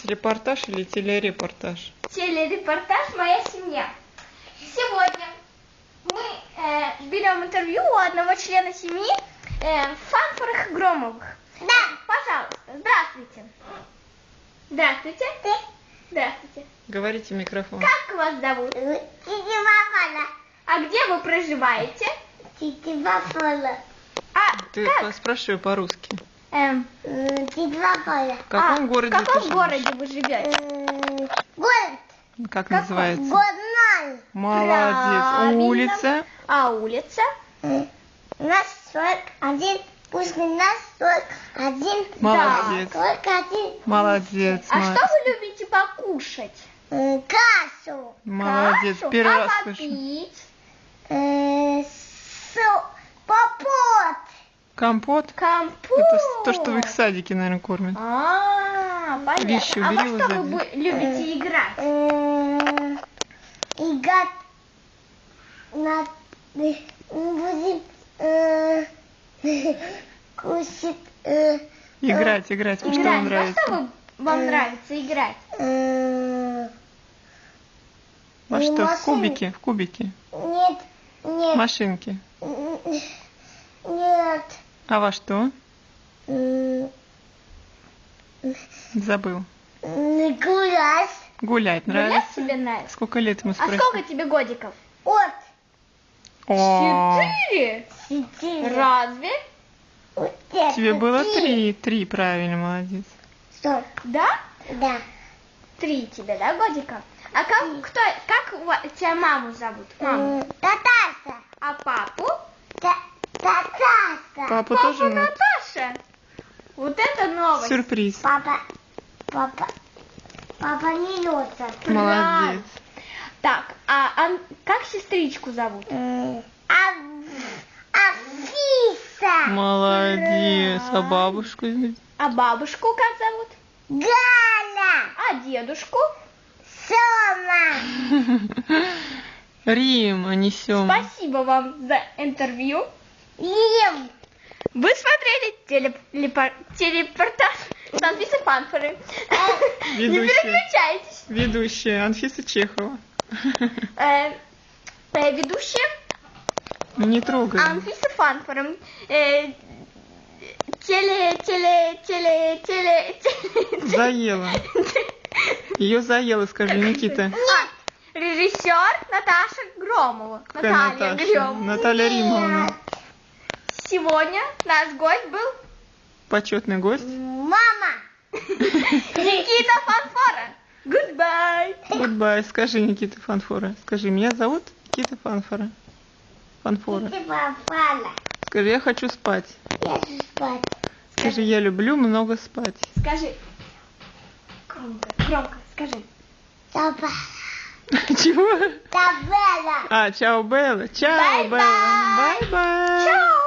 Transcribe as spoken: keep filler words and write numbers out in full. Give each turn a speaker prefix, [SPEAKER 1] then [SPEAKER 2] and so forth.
[SPEAKER 1] репортаж или телерепортаж?
[SPEAKER 2] Телерепортаж «Моя семья». Сегодня мы э, берем интервью у одного члена семьи э, Фанфоровых и Громовых. Да. Пожалуйста, здравствуйте. Здравствуйте. Здравствуйте.
[SPEAKER 1] Говорите в микрофон.
[SPEAKER 2] Как вас зовут?
[SPEAKER 3] Тетя
[SPEAKER 2] А где вы проживаете?
[SPEAKER 3] Папа.
[SPEAKER 2] А
[SPEAKER 1] Ты
[SPEAKER 2] как?
[SPEAKER 1] спрашивай по-русски.
[SPEAKER 2] Эм,
[SPEAKER 1] В
[SPEAKER 3] Тетя Папа.
[SPEAKER 1] каком
[SPEAKER 2] а,
[SPEAKER 1] городе
[SPEAKER 2] в каком
[SPEAKER 1] ты живешь?
[SPEAKER 2] городе вы живете?
[SPEAKER 3] Город.
[SPEAKER 1] Как
[SPEAKER 2] Какой?
[SPEAKER 1] называется?
[SPEAKER 3] Горной.
[SPEAKER 1] Молодец.
[SPEAKER 2] Правильно.
[SPEAKER 1] Улица.
[SPEAKER 2] А улица?
[SPEAKER 3] Нас сорок один. Пусть нас сорок один.
[SPEAKER 1] Молодец.
[SPEAKER 3] сорок один.
[SPEAKER 1] Молодец.
[SPEAKER 2] А
[SPEAKER 1] молодец.
[SPEAKER 2] что вы любите покушать?
[SPEAKER 3] Э, Кашу.
[SPEAKER 1] Молодец.
[SPEAKER 2] Кашу?
[SPEAKER 1] Первый
[SPEAKER 2] а
[SPEAKER 1] раз слышу.
[SPEAKER 2] попить?
[SPEAKER 3] Э, со- Попот.
[SPEAKER 1] Компот?
[SPEAKER 2] Компот.
[SPEAKER 1] Это с- то, что в их садике, наверное, кормят.
[SPEAKER 2] А, понятно.
[SPEAKER 1] Вещи
[SPEAKER 2] а во
[SPEAKER 1] убери,
[SPEAKER 2] что
[SPEAKER 1] вот
[SPEAKER 2] вы
[SPEAKER 1] сзади.
[SPEAKER 2] бу- любите играть?
[SPEAKER 3] Э, Играть на... Будем э, кушать... э,
[SPEAKER 1] Играть, играть. Что
[SPEAKER 2] Играть.
[SPEAKER 1] вам
[SPEAKER 2] Во
[SPEAKER 1] нравится?
[SPEAKER 2] что вы- вам
[SPEAKER 3] Э.
[SPEAKER 2] нравится играть?
[SPEAKER 3] э,
[SPEAKER 1] Во
[SPEAKER 3] не
[SPEAKER 1] что? В
[SPEAKER 3] машины.
[SPEAKER 1] кубики? В кубики?
[SPEAKER 3] Нет, нет,
[SPEAKER 1] Машинки.
[SPEAKER 3] нет.
[SPEAKER 1] А во что?
[SPEAKER 3] М,
[SPEAKER 1] Забыл.
[SPEAKER 3] м, Гулять.
[SPEAKER 1] Гулять
[SPEAKER 2] Гулять
[SPEAKER 1] нравится?
[SPEAKER 2] тебе нравится?
[SPEAKER 1] Сколько лет ему
[SPEAKER 2] А
[SPEAKER 1] спросили?
[SPEAKER 2] сколько тебе годиков?
[SPEAKER 3] От.
[SPEAKER 1] О,
[SPEAKER 2] Четыре?
[SPEAKER 3] Четыре.
[SPEAKER 2] Разве?
[SPEAKER 3] Вот это
[SPEAKER 1] тебе было три. Три, правильно, молодец.
[SPEAKER 3] Что?
[SPEAKER 2] Да?
[SPEAKER 3] Да.
[SPEAKER 2] Три тебе, да, годика? А как, кто, как у ва- тебя маму зовут? Маму.
[SPEAKER 3] М, Таташа.
[SPEAKER 2] А папу?
[SPEAKER 3] Та- Таташа.
[SPEAKER 1] Папу
[SPEAKER 2] Папа
[SPEAKER 1] тоже ну,
[SPEAKER 2] Наташа. Вот это новость.
[SPEAKER 1] сюрприз.
[SPEAKER 3] Папа. Папа. Папа не лётся.
[SPEAKER 1] Молодец.
[SPEAKER 2] Так, а Ан- как сестричку зовут?
[SPEAKER 3] М, Ав- Афиса.
[SPEAKER 1] Молодец. А бабушку?
[SPEAKER 2] А бабушку как зовут?
[SPEAKER 3] Галя.
[SPEAKER 2] А дедушку?
[SPEAKER 3] Сома.
[SPEAKER 1] Рим, а не Сёма.
[SPEAKER 2] Спасибо вам за интервью.
[SPEAKER 3] Лим.
[SPEAKER 2] Вы смотрели телеп- лепо- телепортаж с Анфисой Фанфоры. Не
[SPEAKER 1] Ведущая.
[SPEAKER 2] переключайтесь.
[SPEAKER 1] Ведущая Анфиса Чехова.
[SPEAKER 2] Э, э, Ведущая
[SPEAKER 1] Не трогай.
[SPEAKER 2] Анфиса Фанфора. Э, Теле, теле, теле, теле, теле.
[SPEAKER 1] Заела. Ее заела, скажи, Никита.
[SPEAKER 2] А, режиссер Наташа Громова.
[SPEAKER 1] Какая
[SPEAKER 2] Наталья
[SPEAKER 1] Наташа?
[SPEAKER 2] Громова.
[SPEAKER 1] Наталья Римовна.
[SPEAKER 2] Сегодня наш гость был
[SPEAKER 1] Почетный гость.
[SPEAKER 3] Мама.
[SPEAKER 2] Никита Фанфора. Goodbye.
[SPEAKER 1] Goodbye. Скажи, Никита Фанфора. Скажи, меня зовут Никита Фанфора. Фанфора.
[SPEAKER 3] Ты попала.
[SPEAKER 1] Скажи, я хочу спать.
[SPEAKER 3] Я хочу спать.
[SPEAKER 1] Скажи, я люблю много спать.
[SPEAKER 2] Скажи. Громко, громко, скажи.
[SPEAKER 3] Папа.
[SPEAKER 1] Чего?
[SPEAKER 3] Табела.
[SPEAKER 1] А, чао, Белла. Чао,
[SPEAKER 2] Бай-бай.
[SPEAKER 1] Белла. Бай-бай.
[SPEAKER 2] Чао.